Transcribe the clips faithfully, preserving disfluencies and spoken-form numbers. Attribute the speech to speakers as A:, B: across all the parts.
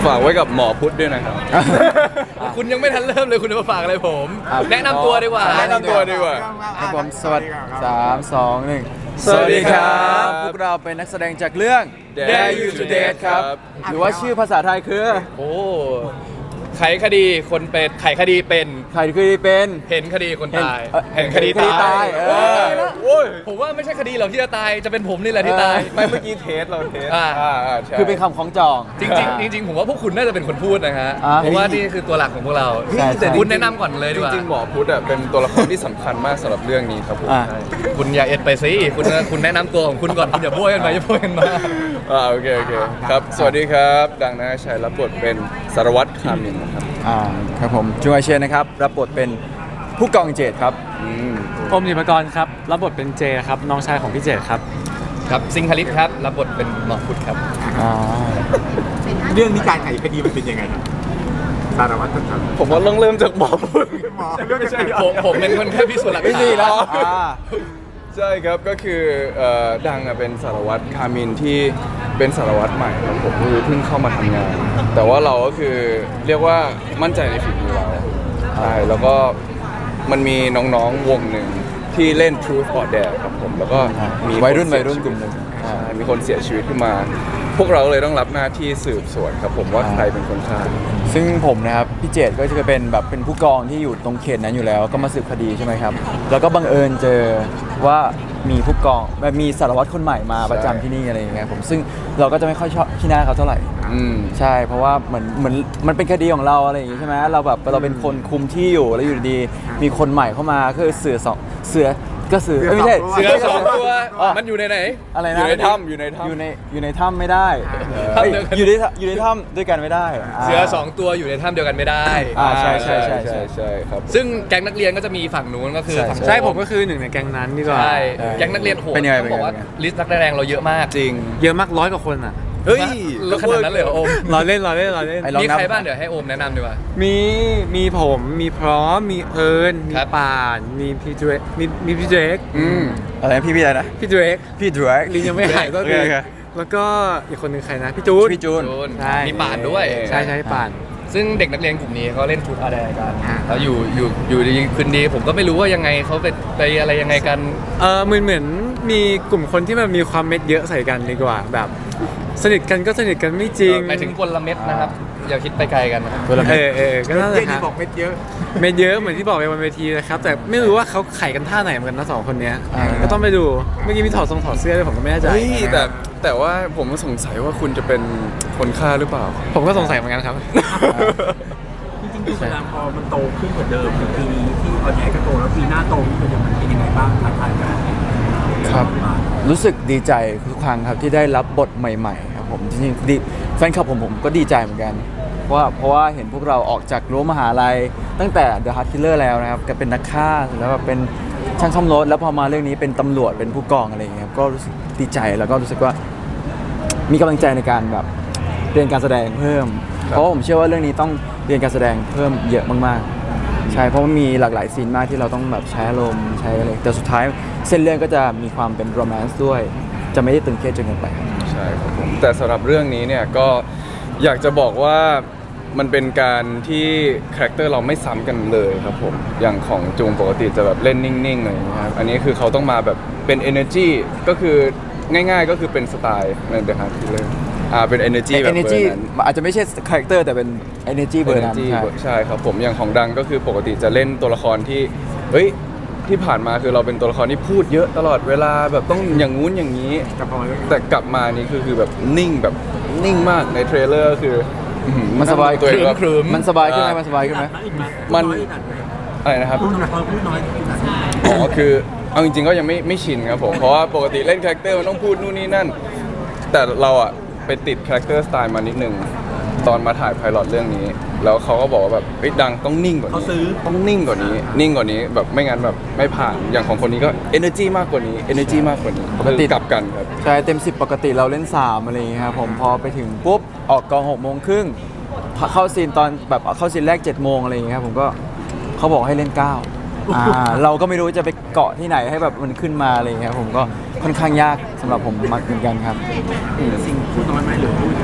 A: ฝากไว้กับหมอพุทธด้วยนะครับ
B: คุณยังไม่ทันเริ่มเลยคุณจะมาฝากอะไรผม แนะนำตัวดีกว่า
A: แนะนำตัวดีกว่า
C: ครับผมสวัสดีสามสองหนึ่ง
A: สวัสดีครับ
C: พวกเราเป็นนักแสดงจากเรื่อง
A: Dare You to Date ครับ
C: หรือว่าชื่อภาษาไทยคือ
B: โอ้ไขคดีคนเป็นไขคดีเป็น
C: ใครคือเป็น
B: เห็นคดีคนตาย
C: เอ่อ
B: เห็นคดี
C: เห็นคดี
B: ตา
C: ตาย ยเออ
B: โอ้ยผมว่าไม่ใช่คดีหรอกที่จะตายจะเป็นผมนี่แหละที่ตาย
A: ไม่เมื่อกี้เทสเราเทส
B: อ่า
A: อ่าใช่
C: คือเป็นคำของจอง
B: จริงๆจริงๆผมว่าพวกคุณน่าจะเป็นคนพูดนะฮะ
C: อ่า
B: เพราะว่านี่คือตัวหลักของพวกเรา
C: ใช่ใช่
B: คุณแนะนำก่อนเลย
A: จ
B: ดีกว่า
A: ริงๆหมอพุทธอ่ะเป็นตัวละครที่สำคัญมากสำหรับเรื่องนี้ครับผม
C: อ่า
A: ใช่
B: คุณอย่าเอ็ดไปสิคุณคุณแนะนำตัวของคุณก่อนคุณอย่าโบยกันไปอย่าโบยกันมา
A: อ่าโอเคโอเคครับสวัสดีครับดังนะชัยรับบทเป็นสารวัตรคามินนะครับ
C: อ่าครับผมจูอาเชนนะครับรับบทเป็นผู้กองเจตครับ
A: อืม
D: อมนิมกรครับรับบทเป็นเจครับน้องชายของพี่เจตครับ
B: ครับซิงคลิปครับรับบทเป็นหมอพุทธครับ
C: อ่า
E: เรื่องนี้การไขคดีมันเป็นยังไงครับสารวัตรครับ
A: ผมว่าต้องเริ่มจากหมอพุทธ
E: หมอเรื่องไม่ใช่
B: ผมผมเป็นคนแค่พิสูจน์หลัก
C: ไม่
B: ฐา
C: ดีแล้ว
B: น
C: อ่า
A: ใช่ครับก็คือเอ่อดังอะเป็นสารวัตรคามินที่เป็นสารวัตรใหม่ครับผมคือเพิ่งเข้ามาทำงาน แต่ว่าเราก็คือเรียกว่ามั่นใจในฝีมือเราใช่แล้วก็มันมีน้องๆวงหนึ่งที่เล่น Truth or Dare ครับผมแล้วก็มี
C: วัยรุ่น
A: คเสี
C: วัยรุ่น
A: ชี
C: กลุ่มหนึ่ง
A: ใช่มีคนเสียชีวิตขึ้นมา พวกเราเลยต้องรับหน้าที่สืบสวนครับผมว่าใครเป็นคนฆ่า
C: ซึ่งผมนะครับพี่เจตก็จะเป็นแบบเป็นผู้กองที่อยู่ตรงเขตนั้นอยู่แล้ว ก็มาสืบคดีใช่ไหมครับ แล้วก็บังเอิญเจอว่ามีผู้กองแบบมีสารวัตรคนใหม่มาประจำที่นี่อะไรอย่างเงี้ยผมซึ่งเราก็จะไม่ค่อยชอบที่หน้าเขาเท่าไหร่
A: อืม
C: ใช่เพราะว่าเหมือนเหมือนมันเป็นคดีของเราอะไรอย่างงี้ใช่ไหมเราแบบเราเป็นคนคุมที่อยู่แล้วอยู่ดีๆมีคนใหม่เข้ามาคือเสือสองเสือก็เสือเอ้ยไม่ใช่
B: เสือสองตัว
C: อ่ะ
B: มันอยู่ในไหน
C: อะไร
A: อ
C: นะ
A: ยู่ในถ้ำอยู่ในถ้ำ
C: อยู่ในอยู่ในถ้ำไม่ได้
B: ถ้ำ
C: เอ้ย
B: เดียวกัน
C: อยู่ในถ้ำอยู่ในถ้ำด้วยกันไม่ได้า
B: เสือสองตัวอยู่ในถ้ำเดียวกันไม่ได้
C: อ่าใช่ใช่ใช่
A: ใช่ใช่ครับ
B: ซึ่งแก๊งนักเรียนก็จะมีฝั่งนู้นก็คือ
C: ใช่
B: ฝั่ง
D: ใช่ผมก็คือหนึ่งในแก๊งนั้นดีกว่า
B: ใช่แก๊งนักเรียนโหด
C: เป็นยังไง
B: ต้องบอกว่า
C: เป็นยังไง
B: ลิสต์นักแสดงเราเยอะมาก
A: จริง
D: เยอะมากร้อยกว่าคนอ่ะ
A: เฮ้ย
B: แล้วขนาดนั้นเลยเหรอโอม
D: รอเล่นรอเล่นรอเล่น
C: ไอ้ลอง
B: มี
C: นับ
B: ใครบ้างเดี๋ยวให้โอมแนะนำดีกว่า
D: มีมีผมมีพร้อมมีเอิญมี
B: ครับ
D: ป่านมีพี่เดรกมีมีพี่เดรก
A: อืม
C: อะไรนะพี่พี่อะไรนะ
D: พี่เดรก
C: พี่ดรก
D: ลินยังไม่หายก็
C: โอ
D: คื
C: เค
D: อ
C: โอเค
D: แล้วก็อีกคนหนึ่งใครนะพี่จูน
C: พี่จูน
B: จูน
D: ใช่
B: มีป่านด้วย
D: ใช่ใช่ป่าน
B: ซึ่งเด็กนักเรียนกลุ่มนี้เขาเล่นทูตอาร์แดกันแล้วอยู่อยู่อยู่ดีคืนดีผมก็ไม่รู้ว่ายังไงเขาไปไปอะไรยังไงกัน
D: เออเหมือนเหมือนมีกลุ่มคนที่มันมีความเม็ดเยอะใส่กันดีกว่าแบบ สนิทกันก็สนิทกันไม่จริง
B: หมายถึงกลเม็ดนะครับ อย่าคิดไปไกลกันนะครับ
C: เวลา
D: เออเออก็นั่นแห
E: เรื่อ
D: ละ
E: ง
D: ค
E: นี้
D: รับ
E: บอกเม็ดเยอะ
D: เม็ดเยอะเหมือนที่บอกไปบนเวทีนะครับ แต่ไม่รู้ว่าเขาไขกันท่าไหนเหมือนกันนะสองคนเนี้ย
C: อ่า
D: ก็ต้องไปดูเมื่อกี้มีถอดทรงถอดเสื้อด้วยผมก็ไม่แน่ใจ
A: เฮ้ยแต่แต่ว่าผมสงสัยว่าคุณจะเป็นคนฆ่าหรือเปล่า
D: ผมก็สงสัยเหมือนกันครับ
E: จริงๆคือเวลาพอมันโตขึ้นกว่าเดิมถึงปีนี้ที่ออนแอร์ก็โตแล้วปีหน้าโตขึ้นมันเป็นยังไงบ้างท้าทายกัน
C: ครับรู้สึกดีใจทุกครั้งครับที่ได้รับบทใหม่ๆครับผมจริงๆดีแฟนคลับผมผมก็ดีใจเหมือนกัน เพราะว่าเพราะว่าเห็นพวกเราออกจากรั้วมหาลัยตั้งแต่ The Heart Killer แล้วนะครับก็เป็นนักฆ่าแล้วแบบเป็นช่างซ่อมรถแล้วพอมาเรื่องนี้เป็นตำรวจเป็นผู้กองอะไรอย่างเงี้ยครับก็รู้สึกดีใจแล้วก็รู้สึกว่ามีกำลังใจในการแบบเรียนการแสดงเพิ่ม เพราะว่าผมเชื่อว่าเรื่องนี้ต้องเรียนการแสดงเพิ่มเยอะมากๆใช่เพราะมันมีหลากหลายซีนมากที่เราต้องแบบใช้อารมณ์ใช้อะไรแต่สุดท้ายเส้นเรื่องก็จะมีความเป็นโรแมนต์ด้วย จะไม่ได้ตึงเครียดจนเกินไป
A: ใช่ครับผมแต่สำหรับเรื่องนี้เนี่ยก็อยากจะบอกว่ามันเป็นการที่คาแรคเตอร์เราไม่ซ้ำกันเลยครับผมอย่างของจูงปกติจะแบบเล่นนิ่งๆอะไรอย่างเงี้ยครับอันนี้คือเขาต้องมาแบบเป็น energy ก็คือง่ายๆก็คือเป็นสไตล์ใน The Heart Killer อ่าเป็น energy แบบเบอ
C: energy
A: ร์นั้น
C: อาจจะไม่ใช่คาแรคเตอร์แต่เป็น energy เบอร์นั้น
A: Energy
C: ใช่
A: ใช่ครับผมอย่างของดังก็คือปกติจะเล่นตัวละครที่เฮ้ยที่ผ่านมาคือเราเป็นตัวละครที่พูดเยอะตลอดเวลาแบบต้องอย่างงู้นอย่างนี้
E: กับพอเรื่อง
A: แต่กลับมานี่คือคือแบบนิ่งแบบนิ่งมากในเทรลเลอร์คืออื้อหือ
C: มันสบาย
A: ตัวเองแบบ
B: ครึ้ม
C: มันสบายขึ้นไหมมันสบายขึ้นไหม
A: มัน อะไรนะครับ
E: พูดน้อยพูดน้อยพูดน้อย
A: อ๋อคือเอาจริงๆก็ยังไม่ไม่ชินครับผม เพราะว่าปกติเล่นคาแรคเตอร์มันต้องพูดนู่นนี่นั่น แต่เราอะไปติดคาแรคเตอร์สไตล์มานิดนึงตอนมาถ่ายไพลอตเรื่องนี้ แล้วเขาก็บอกว่าแบบเฮ้ยดังต้องนิ่งกว่า
E: เขา
A: นี้
E: ซื้อ
A: ต้องนิ่งกว่านี้ นิ่งกว่านี้แบบไม่งั้นแบบไม่ผ่านอย่างของคนนี้ก็ energy มากกว่านี้ energy มากกว่านี้
C: ปกติ
A: คือกลับกันครับ
C: ใช่เต็มสิบปกติเราเล่นสามอะไรอย่างเงี้ยครับผมพอไปถึงปุ๊บออกกองหกโมงครึ่งเข้าซีนตอนแบบเข้าซีนแรกเจ็ดโมงอะไรอย่างเงี้ยครับผมก็เขาบอกให้เล่นเก้าอ่าเราก็ไม่รู้จะไปเกาะที่ไหนให้แบบมันขึ้นมาอะไรอย่างเงี้ยครับผมก็ค่อนข้างยากสำหรับผมมากเหมือนกันครับ
E: สิ่งพูดน้อยไหมหรือพูด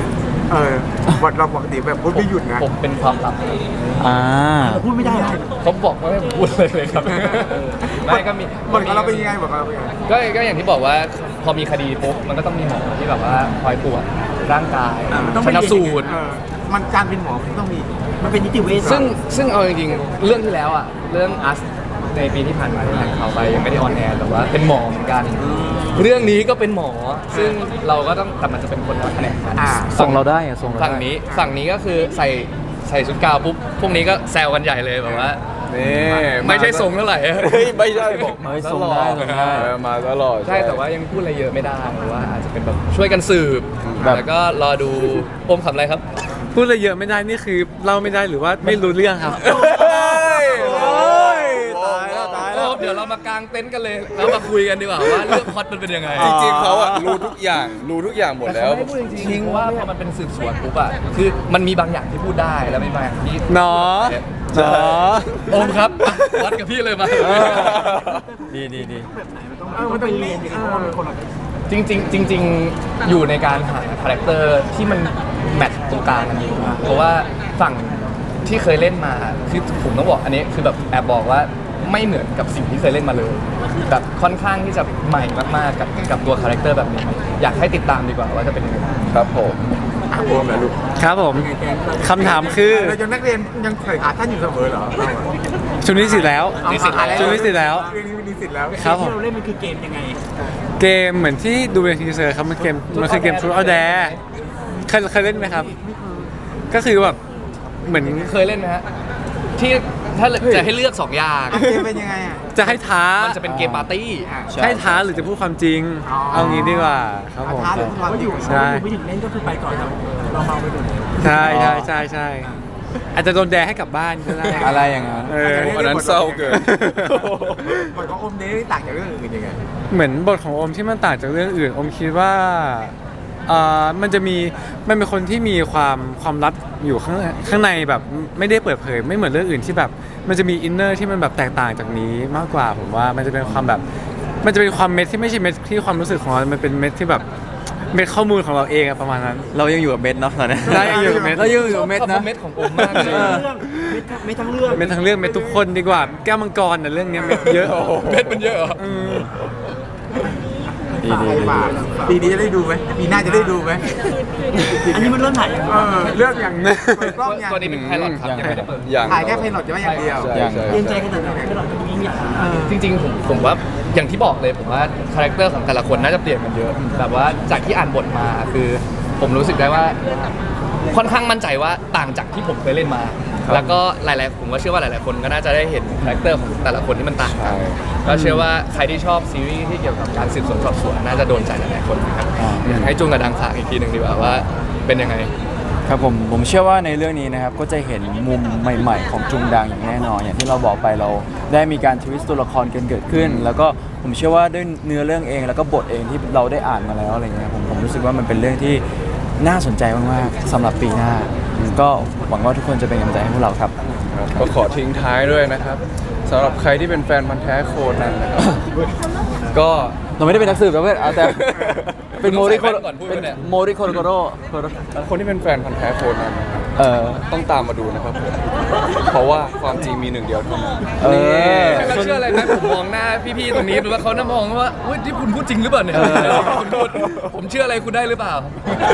F: เออบทเราปกติแบบพูดไม่หยุดนะ
B: ผมเป็นความลับ
C: อ่า
E: เราพูดไม่ได้เหรอ
B: เขาบอกว่าให้ผมพูดเลยเลยครับไม่ก็มี
F: บทของเราเป็นยังไงบทของเราเป็นยังไง
B: ก็ก็อย่างที่บอกว่าพอมีคดีปุ๊บมันก็ต้องมีหมอที่แบบว่าคอยตรวจร่างกาย
E: อ่ามันต้อง
B: ช
E: ไปเรี
B: นะ
E: ยน
B: สูตร
F: เออมันการเป็นหมอมันต้องมี
E: มันเป็นนิติเวช
B: ซึ่งซึ่งเอาจริงๆเรื่องที่แล้วอ่ะเรื่องอัสในปีที่ผ่านมาที่ถ่ายข่าวไปยังไม่ได้ออนแอร์แต่ว่าเป็นหมอเหมือนกัน เรื่องนี้ก็เป็นหมอ ซึ่งเราก็ต้องแต่มันจะเป็นคนละแผนกกัน
F: อ่า
C: ส่งเราได้อะส่งเราได้
B: ฝั่งนี้ฝั่งนี้ก็คือใส่ใส่ชุดกาวปุ๊บพวกนี้ก็แซวกันใหญ่เลยแบบว่า
A: นี่
B: ไม่ใช่ทรงเท่าไหร่
A: เฮ้ยไม่ใช่บอก
C: เฮ้ยส่งได้ส่งได้
A: เออมาตลอด
B: ใช่แต่ว่ายังพูดอะไรเยอะไม่ได้เพราะว่าอาจจะเป็นแบบช่วยกันสืบ
C: แบบ
B: แล้วก็รอดูอมขำอะไรครับ
D: พูดอะไรเยอะไม่ได้นี่คือเล่าไม่ได้หรือว่าไม่รู้เรื่องครับ
A: เฮ้ย
C: โอ้ยตายแล้วตายแล้ว
B: เดี๋ยวเรามากางเต็นท์กันเลยแล้วมาคุยกันดีกว่าว่าเรื่องพล็อตมันเป็นยังไง
A: จริงๆเขาอะรู้ทุกอย่างรู้ทุกอย่างหมดแล้ว
B: ไม่พูดจริงๆเพราะว่าพอมันเป็นสืบสวนปุ๊บอะคือมันมีบางอย่างที่พูดได้แล้วมีบางอย่างที่
D: เนาะ
B: ใช่
D: เนาะ
B: โอมครับอ่ะวัดกับพี่เลยมา
C: ดีดีดี
E: แบบไหนมันต้องต้องไปเรียนอย่างนี้เพราะว่ามันคนละ
B: จริงๆจริงๆอยู่ในการหาคาแรคเตอร์ที่มันแมทช์ตรงกลางกันอยู่เพราะว่าฝั่งที่เคยเล่นมาคือผมต้องบอกอันนี้คือแบบแอบบอกว่าไม่เหมือนกับสิ่งที่เคยเล่นมาเลยแบบค่อนข้างที่จะใหม่มากๆกับกับตัวคาแรคเตอร์แบบนี้ อยากให้ติดตามดีกว่าว่าจะเป็นยังไง
A: ครับผม
F: อ่ะโอมเหรอลูก
D: ครับผมคำถามคือ
F: เรายังนักเรียนยังใส่ขาท่านอยู่เสมอเหรอเราอะ
D: ชุดนี้สิแล้ว
F: เอาขาแล้ว
D: ชุดนี้สิแล้ว
F: เรื่องนี้มีสิทธิ์แล้ว
D: ครับผม
E: ที่เราเล่นมันคือเกมยังไง
D: เกมเหมือนที่ดูในทีเซอร์ครับมันเกมมันคือเกม Truth or Dare เคยเคยเล่นไหมครับ ก็คือแบบเหมือน
B: เคยเล่นไหมฮะที่ถ้าจะให้เลือกสองอย่าง
F: อ่ะเกมเป็นยังไงอ่ะ
D: จะให้ท้า
B: มันจะเป็นเกมปาร์ตี้
F: อ่ะ
C: ใช่
D: ให้ท้าหรือจะพูดความจริง
F: อ๋อ
D: เอางี้ดีกว่าครับผม
F: ท้าหรือความจริง
D: ใช่
E: ไม่ถึงเล่นก็คือไปก่อนเราเราเมาไปก่อน
D: ใช่ใช่ใช่ใช่อาจจะโดนแดให้กลับบ้านก็ได้
C: อะไรอย่างนั้น
D: เออ
A: วันนั้นเศร้าเกิน
F: บทของโอมเดย์ต่างจากเรื่องอื่นยังไง
D: เหมือนบทของโอมที่มันต่างจากเรื่องอื่นโอมคิดว่าเอ่อมันจะมีมันเป็นคนที่มีความความลับอยู่ข้างข้างในแบบไม่ได้เปิดเผยไม่เหมือนเรื่องอื่นที่แบบมันจะมีอินเนอร์ที่มันแบบแตกต่างจากนี้มากกว่าผมว่ามันจะเป็นความแบบมันจะเป็นความเม็ดที่ไม่ใช่เม็ดที่ความรู้สึกของเรา มันเป็นเม็ดที่แบบเม็ดข้อมูลของเราเองอะประมาณนั้น
C: เรายังอยู่กับเม็ดเนาะตอนนี้
D: ได้ยังอยู่กับเม็ด
C: เรายังอยู่กับเม็ด
B: ชอบ
C: นะ
B: คอมเมนต์ของผมมากเลย
E: เรื่องไม่ทั้งเรื่อง
D: เม็ดทั้งเรื่องเม็ดทุกคนดีกว่าแก้วมังกรน่ะเรื่องเนี้ยเม็ดเยอะ
B: เม็ดมันเยอะเหรอ
D: อืม
C: ดีดี
F: ไป
C: ดี
F: ป่าปีนี้จะได้ดูไหมปีหน้าจะได้ดูไหม
E: อันนี้มันเริ่มถ่ายยัง
F: เออเลือกอย่างเปิดกล้องอย่าง
B: ตัวนี้เป็นไพลอตครับยังไม่ได้เปิด
A: อย่าง
F: ถ่ายแค่เพลงหลอดจะไม่อย่างเดียว
A: ใช่ใช่
E: เรียนใจขนาดไหนก็เราจะยิ่งใหญ่
F: เออ
B: จริงๆผมผมว่าอย่างที่บอกเลยผมว่าคาแรคเตอร์ของแต่ละคนน่าจะเปลี่ยนกันเยอะแบบว่าจากที่อ่านบทมาคือ ผมรู้สึกได้ว่าค่อนข้างมั่นใจว่าต่างจากที่ผมเคยเล่นมา แล้วก็หลายๆผมว่าเชื่อว่าหลายๆคนก็น่าจะได้เห็นคาแรคเตอร์ของแต่ละคนที่มันต่างกัน
A: ใช่
B: ก็เชื่อว่าใครที่ชอบซีรีส์ที่เกี่ยวกับการสืบสวนสอบสวนน่าจะโดนใจหลายๆคนนะครับอยากให้จุงกับดังฝากอีกทีหนึ่งดีกว่าว่าเป็นยังไง
C: ครับผมผมเชื่อว่าในเรื่องนี้นะครับก็จะเห็นมุมใหม่ ๆ ของจุงดังอย่างแน่นอนอย่างที่เราบอกไปเราได้มีการทวิสต์ตัวละครกันเกิดขึ้น แล้วก็ผมเชื่อว่าด้วยเนื้อเรื่องเองแล้วก็บทเองที่เราได้อ่านมาแล้วอะไรเงี้ยผมผมรู้สึกว่ามันเป็นเรื่องที่น่าสนใจมากๆสำหรับปีหน้า ก็หวังว่าทุกคนจะเป็นกำลังใจให้พวกเราครับ
A: ก็ขอทิ้งท้ายด้วยนะครับสำหรับใครที่เป็นแฟนพันธ์แท้โคนันนะครับ ก็
C: เราไม่ได้เป็นนักสืบนะเพื่อนเอาแต่เป็นโมริโค
B: ใส่แว่นก่อนพูดไปเนี่ย
C: โมริโคโรโกโร
A: คนที่เป็นแฟนพันธ์แท้โคนันนะครับ
C: เออ
A: ต้องตามมาดูนะครับผมเพราะว่าความจริงมีหนึ่งเดียวเท่านั้น
C: เออ
B: เขาเชื่ออะไรไหมผมมองหน้าพี่ๆตรงนี้หรือว่าเขาน่ามองว่าเฮ้ยที่คุณพูดจริงหรือเปล่าเนี่ย
C: เออ
B: คุณพูดผมเชื่ออะไรคุณได้หรือเปล่า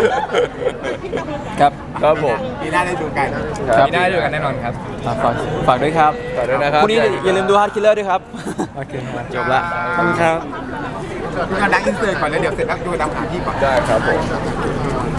C: ครับ
A: ครับผม
F: ปีหน้าได้ดูกัน
A: ครับ
B: มีได้ด้วยกันแน่นอนครับ
C: อ่ะฝากฝากด้วยครับ
A: ต่อด้วยนะครับ
C: พรุ่งนี้อย่าลืมดูฮาร์ดคิลเลอร์ด้วยครับ
D: โอเคครับ
C: จบละ
D: ขอบคุณครับ
F: ดูกันดังอินเสิร์ตก่อนแล้วเดี๋ยวเสร็จแล้วดูตามหาที่ก่อน
A: ได้ครับผม